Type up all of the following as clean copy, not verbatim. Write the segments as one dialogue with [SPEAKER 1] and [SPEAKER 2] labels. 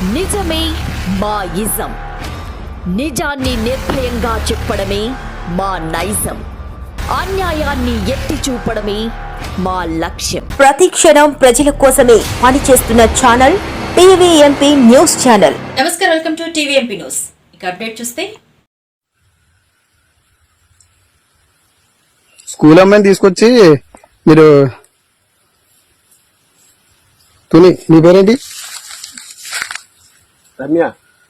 [SPEAKER 1] నిజమే మా ఇజం. నిజాన్ని నిర్భయంగా చెప్పడమే మా నైజం. అన్యాయాన్ని ఎత్తి చూపడమే మా లక్ష్యం.
[SPEAKER 2] ప్రతి క్షణం ప్రజల కోసమే పనిచేస్తున్న ఛానల్ టీవీఎంపీ న్యూస్ ఛానల్.
[SPEAKER 3] నమస్కారం, వెల్కమ్ టు టీవీఎంపీ న్యూస్. ఇక అప్డేట్ చూస్తే,
[SPEAKER 4] స్కూల్ అమ్మాయిని తీసుకొచ్చి మీరు తుని, నీ పేరేంటి?
[SPEAKER 5] రమ్య.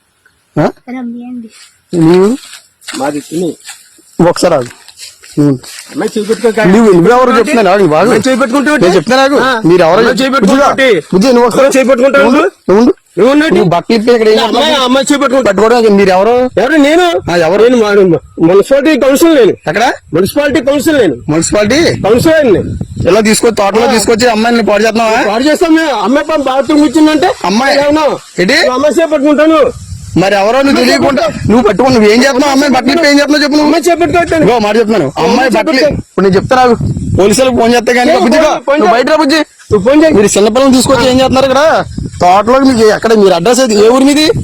[SPEAKER 4] నీవు?
[SPEAKER 5] మాది తుని.
[SPEAKER 4] ఒకసారి ఆగు.
[SPEAKER 5] అమ్మాయి చూపెట్టుకో.
[SPEAKER 4] నువ్వెవరు చెప్తున్నా బాగా చెప్తున్నా నాకు. మీరు ఎవరో బుజ్జి, నువ్వు ఒకసారి చేపెట్టుకుంటావు. నువ్వు బట్టలు ఇప్పి ఇక్కడ
[SPEAKER 5] అమ్మాయి
[SPEAKER 4] పట్టుకోవడం. మీరు ఎవరు?
[SPEAKER 5] ఎవరు? నేను
[SPEAKER 4] ఎవరు?
[SPEAKER 5] Municipality council. నేను
[SPEAKER 4] ఎక్కడ?
[SPEAKER 5] Municipality council. నేను
[SPEAKER 4] మున్సిపాలిటీ
[SPEAKER 5] కౌన్సిల్.
[SPEAKER 4] ఇలా తీసుకొచ్చి తోటలో తీసుకొచ్చి అమ్మాయిని పాడు చేస్తున్నావా?
[SPEAKER 5] పాడు చేస్తాం. అమ్మాయి బాత్రూమ్ కూర్చుందంటే
[SPEAKER 4] అమ్మాయి
[SPEAKER 5] ఏంటి? అమ్మాయి చేపట్టుకుంటాను.
[SPEAKER 4] మరి ఎవరో నువ్వు తెలియకుండా నువ్వు పట్టుకుని నువ్వు ఏం చేస్తున్నావు? అమ్మాయి బట్టలు ఏం చేస్తున్నావు చెప్పు.
[SPEAKER 5] అమ్మాయి చేపట్టుకుంటాను.
[SPEAKER 4] మాట చెప్తున్నాను. అమ్మాయి బట్టలు ఇప్పుడు నేను చెప్తా. నాకు పోలీసులకు ఫోన్ చేస్తే కానీ బుజ్జిగా బయట బుజ్జి
[SPEAKER 5] ఫోన్ చేయి.
[SPEAKER 4] మీరు చిన్నపిల్లలు తీసుకొచ్చి ఏం చేస్తున్నారు ఇక్కడ తోటలో? మీకు ఎక్కడ మీరు అడ్రస్ అయితే ఏ ఊరు మీది?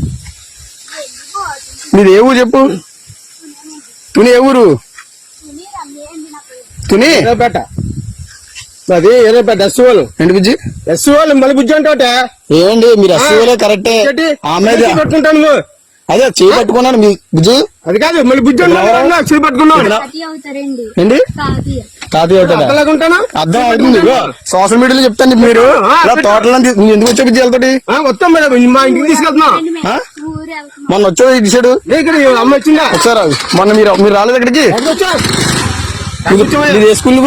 [SPEAKER 4] మీది ఏ ఊరు చెప్పు. తుని ఏ ఊరు? తుని
[SPEAKER 5] ఎర్రపేట. అది ఎర్రపేట. ఎస్సీఓలు.
[SPEAKER 4] ఏంటి బుజ్జి?
[SPEAKER 5] ఎస్సీఓలు మళ్ళీ బుజ్జి అంటే
[SPEAKER 4] ఏమండి మీరు ఎస్సీఓలే కరెక్టే. ఆమె
[SPEAKER 5] పట్టుకుంటాను.
[SPEAKER 4] అదే చేయి పట్టుకున్నాను మీ బుజ్జి.
[SPEAKER 5] అది కాదు మళ్ళీ బుజ్జి చేయి పట్టుకున్నాను.
[SPEAKER 4] ఏంటి కాదు
[SPEAKER 5] ఉంటాను.
[SPEAKER 4] అర్థం అవుతుంది. సోషల్ మీడియాలో చెప్తాను. మీరు తోటలో నువ్వు ఎందుకు వచ్చావు బుజ్జి? వెళ్తాడు
[SPEAKER 5] వస్తాం మేడం. మా ఇంటికి తీసుకెళ్తున్నా.
[SPEAKER 4] మొన్న వచ్చావు ఈ సైడ్
[SPEAKER 5] అమ్మ వచ్చిందా?
[SPEAKER 4] వచ్చారా? మొన్న మీరు రాలేదు ఇక్కడికి? ఇది ఏ స్కూల్?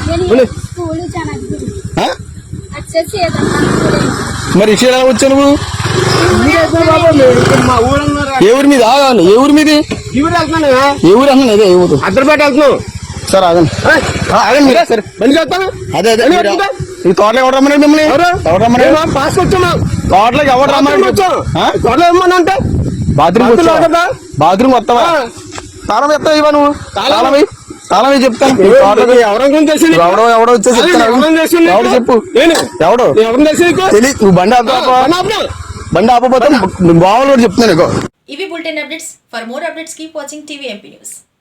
[SPEAKER 4] మరి ఇటు ఎలా వచ్చావు నువ్వు? ఏ ఊరి మీద? ఏ ఊరి మీది? ఏ ఊరు అన్నాను. అదే ఏ ఊరు?
[SPEAKER 5] అద్దరిపేట వెళ్తున్నావు.
[SPEAKER 4] సార్ ఆగండి ఆగండి మీరు. సరే అదే అదే ఈ తోటలో ఎవరు రమ్మన్నారు మిమ్మల్ని? ఎవరు రమ్మన్నారు?
[SPEAKER 5] పాస్ వచ్చాము.
[SPEAKER 4] తోటలోకి ఎవరు రమ్మన్నారు?
[SPEAKER 5] తోటలో ఏమన్నా
[SPEAKER 4] బాత్రూమ్ వస్తావా? తాళం ఎత్తావు ఇవా నువ్వు? తాళం చెప్తాను. ఎవడో వచ్చేసి ఎవడు చెప్పు. ఎవడు తెలియదు. నువ్వు బండి ఆపపోతే బావలు కూడా చెప్తున్నాను.
[SPEAKER 3] ఇవి bulletin updates. For more updates keep watching TVMP news.